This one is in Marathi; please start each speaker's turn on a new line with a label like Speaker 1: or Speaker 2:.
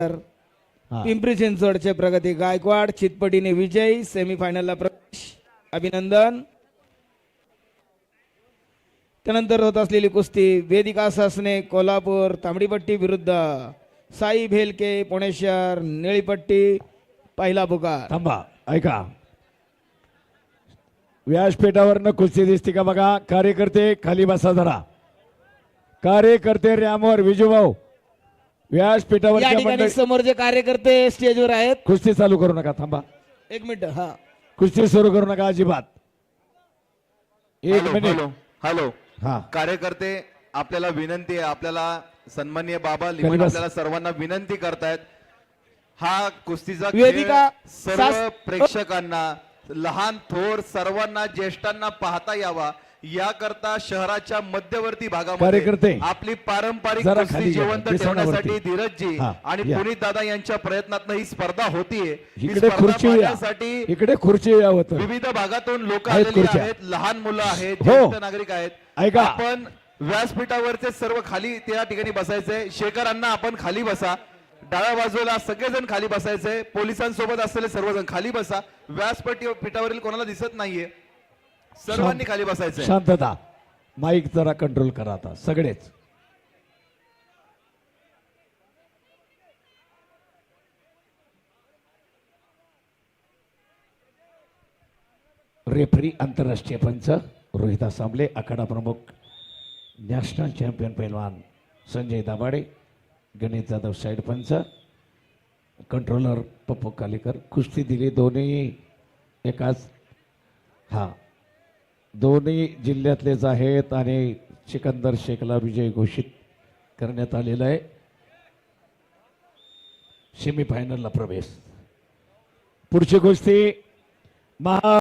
Speaker 1: पिंपरी चिंचवडचे प्रगती गायकवाड चितपटीने विजय सेमीफायनलला प्रवेश अभिनंदन। त्यानंतर होत असलेली कुस्ती वेदिका सासने कोल्हापूर तांबडीपट्टी विरुद्ध साई भेलके पुणे शहर निळीपट्टी पहिला पुकार।
Speaker 2: थांबा ऐका व्यासपीठावरनं कुस्ती दिसते का बघा। कार्यकर्ते खाली बसा जरा। कार्यकर्ते रॅमवर विजूभाऊ व्यासपीठावर
Speaker 1: या ठिकाणी समोर जे कार्यकर्ते स्टेजवर आहेत
Speaker 2: कुस्ती चालू करू नका। थांबा
Speaker 1: एक मिनिट। हा
Speaker 2: कुस्ती सुरू करू नका अजिबात। एक मिनिट।
Speaker 3: हॅलो
Speaker 2: हा
Speaker 3: कार्यकर्ते आपल्याला विनंती आहे, आपल्याला सन्माननीय बाबा लिमण आपल्याला सर्वांना विनंती करतायत, हा कुस्तीचा
Speaker 1: वेदिका
Speaker 3: सर्व प्रेक्षकांना लहान थोर सर्वांना ज्येष्ठांना पाहता यावा याकरता शहराच्या मध्यवर्ती भागामध्ये
Speaker 2: कार्यकर्ते
Speaker 3: आपली पारंपरिक
Speaker 2: जरा
Speaker 3: कुस्ती
Speaker 2: खाली
Speaker 3: जिवंत
Speaker 2: या,
Speaker 3: ठेवण्यासाठी धीरजजी
Speaker 2: हा,
Speaker 3: आणि
Speaker 2: या.
Speaker 3: पुनीत दादा यांच्या प्रयत्नातून ही स्पर्धा होतीये। ही
Speaker 2: इकडे
Speaker 3: स्पर्धा
Speaker 2: खुर्ची या,
Speaker 3: पाहण्यासाठी
Speaker 2: इकडे खुर्ची या होतं।
Speaker 3: विविध भागातून लोक
Speaker 2: आहेत
Speaker 3: आलेली
Speaker 2: खुर्च्या.
Speaker 3: आहेत, लहान मुलं आहेत,
Speaker 2: हो.
Speaker 3: ज्येष्ठ नागरिक आहेत।
Speaker 2: ऐका.
Speaker 3: आपण व्यासपीठावरचे सर्व खाली त्या ठिकाणी बसायचे। शेखरांना आपण खाली बसा, डाव्या बाजूला सगळेजण खाली बसायचे। पोलिसांसोबत असलेले सर्वजण खाली बसा। व्यासपीठावरील कोणाला दिसत नाहीये, सर्वांनी खाली बसायचंय।
Speaker 2: शांतता। माईक जरा कंट्रोल करा आता सगळेच। रेफरी आंतरराष्ट्रीय पंच रोहित आसांबले, आखाडा प्रमुख नॅशनल चॅम्पियन पैलवान संजय दाभाडे, गणेश जाधव साइड पंच, कंट्रोलर पप्पू कालेकर। कुस्ती दिली दोन्ही एकाच दोन्ही जिल्ह्यातलेच आहेत आणि सिकंदर शेखला विजय घोषित करण्यात आलेला आहे। सेमीफायनलला प्रवेश। पुढची कुस्ती महा